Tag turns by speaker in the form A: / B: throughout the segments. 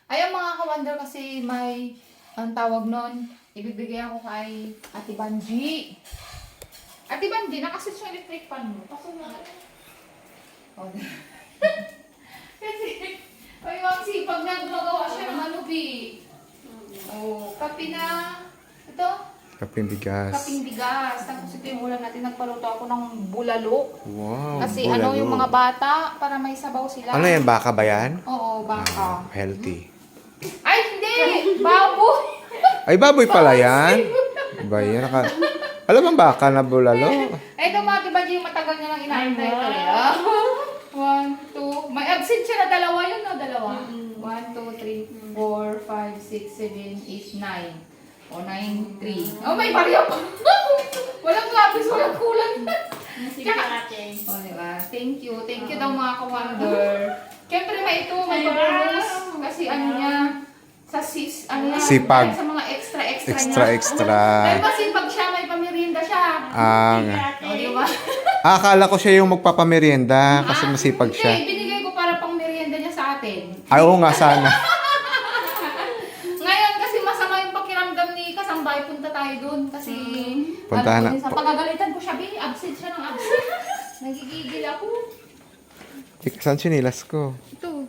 A: Ayun mga ka-wonder kasi may, ang tawag nun, ibibigay ako kay Ate Banji. Ate Banji, nakasit yung electric fan mo. Paso na. Oh, kasi, ay, ang sipag na gumagawa siya ng ano, Bi. Oh, kape na, ito,
B: Kaping bigas.
A: kaping bigas. Tapos ito yung ulam natin, nagpaluto ako ng bulalo.
B: Wow,
A: Kasi
B: bulalo.
A: ano yung mga bata, para may sabaw sila.
B: Ano yan, baka ba yan?
A: Oo, baka.
B: Healthy.
A: Ay, hindi! Baboy!
B: Ay, baboy pala yan. Ba yan? Alam mo baka na bulalo?
A: Ay, ito mga diba yung matagal niya lang inaantay ito. 1, 2, may absent siya na dalawa yun, no? Dalawa. 1, 2, 3, 4, 5, 6, 7, 8, 9. O, 9, 3. Oh, may barya pa. Walang lapis, walang kulang. Tsaka, o, diba? Thank you. Thank you daw mga ka-wonder. Siyempre, may ito, may bonus. Kasi ano niya, sa sis, ano yan,
B: Sipag.
A: sa mga extra
B: Extra.
A: Dahil masipag siya, may pamirienda siya. O, diba?
B: Akala ko siya yung magpapamerienda kasi masipag
A: Hindi,
B: siya.
A: binigay ko para pang merienda niya sa atin.
B: Ay, oo nga sana.
A: Ngayon kasi masama yung pakiramdam ni Kasambay, punta tayo doon kasi
B: Puntahan na.
A: Sa pagagalitan ko siya, absent siya ng absent. Nagigigil ako.
B: Saan sinilas ko?
A: Ito.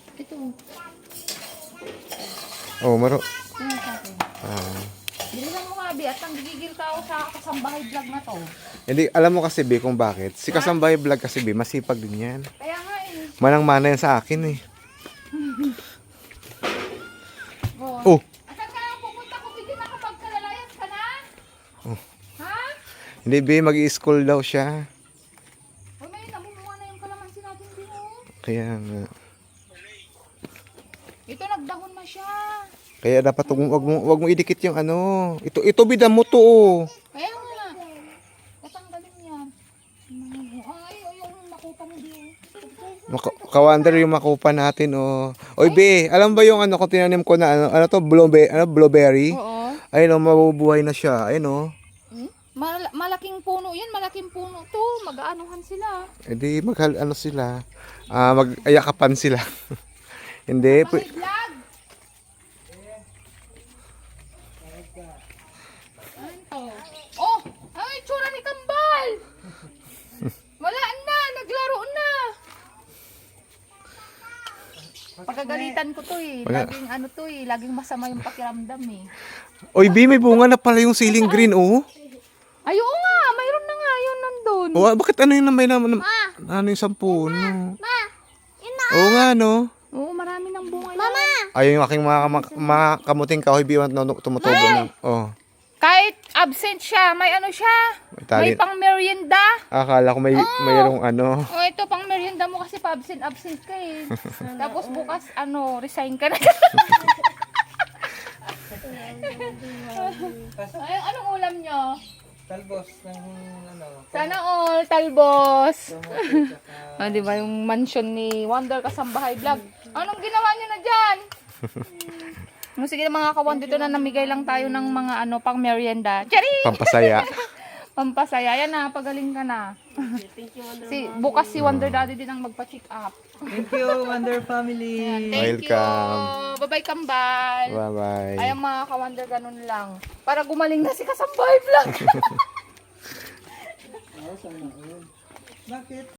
B: Oh, maro.
A: Ano sa akin? Bilisan mo nga, Bi, at ang gigigil ka ako sa Kasambahay vlog na to.
B: Hindi, alam mo kasi, B, kung bakit. Si Kasambay Vlog kasi, B, masipag din yan.
A: Kaya nga eh.
B: Manang-mana yan sa akin, eh.
A: Oh.
B: Oh,
A: Asan ka pupunta ko, Bi, nakapagkalalayas ka na?
B: Oh.
A: Ha?
B: hindi, B, mag-i-school daw siya.
A: Uy, may namumunga na yung kalamansi natin, Bi, oh.
B: Kaya nga.
A: Ito, nagdahon na siya.
B: Kaya dapat wag mo idikit yung ano. Ito bida mo to, oh.
A: Kaya nga. Tatanggalin yan. Ay, yung nakupa mo din.
B: Kawander yung makupa natin, oh. Oy, B, alam ba yung ano ko tinanim ko na ano to, blueberry?
A: Oo.
B: Ayun, oh, mabubuhay na siya. Ayun, oh.
A: Malaking puno yan. Malaking puno to. Mag-aanuhan sila.
B: Edi ano sila? Mag-ayakapan sila. Hindi,
A: Mga vlog. Ano to? Oh! Ay, tsura ni Kambal! Wala na! Naglaro na! Pagkagalitan ko to eh. Laging ano to eh. Laging masama yung pakiramdam eh.
B: Oy, B, may bunga na pala yung ceiling green, oh.
A: Ay, oo nga! Mayroon na nga yun nandun.
B: Oh, bakit ano yung may naman? Ano yung 10? No? Oo nga, no?
A: Oo, marami ng bunga yan.
B: Ayun yung aking mga kamuting kahoy, B, tumutubo na. Oh.
A: Kahit absent siya, may ano siya. May pang merienda.
B: Akala ko mayroong ano.
A: Oh, ito pang merienda mo kasi pa absent ka eh. Tapos bukas resign ka na. Ay, anong ulam nyo?
C: Talbos ng ano.
A: Sana all talbos. Ah, di ba yung mansion ni Wonder Kasambahay Vlog? Anong ginawa nyo na dyan? Sige mga kawan, dito na namigay lang tayo ng mga pang merienda. Charing!
B: Pampasaya.
A: Pampasaya. Yan na, pagaling ka na. Bukas si Wonder Daddy din ang magpa-check up.
C: Thank you, Wonder Family.
A: Thank
B: Welcome.
A: you. Bye-bye, Kambal.
B: Bye-bye.
A: Ayang mga ka-Wonder, ganun lang. Para gumaling na si Kasambahay Vlog.
C: Bakit?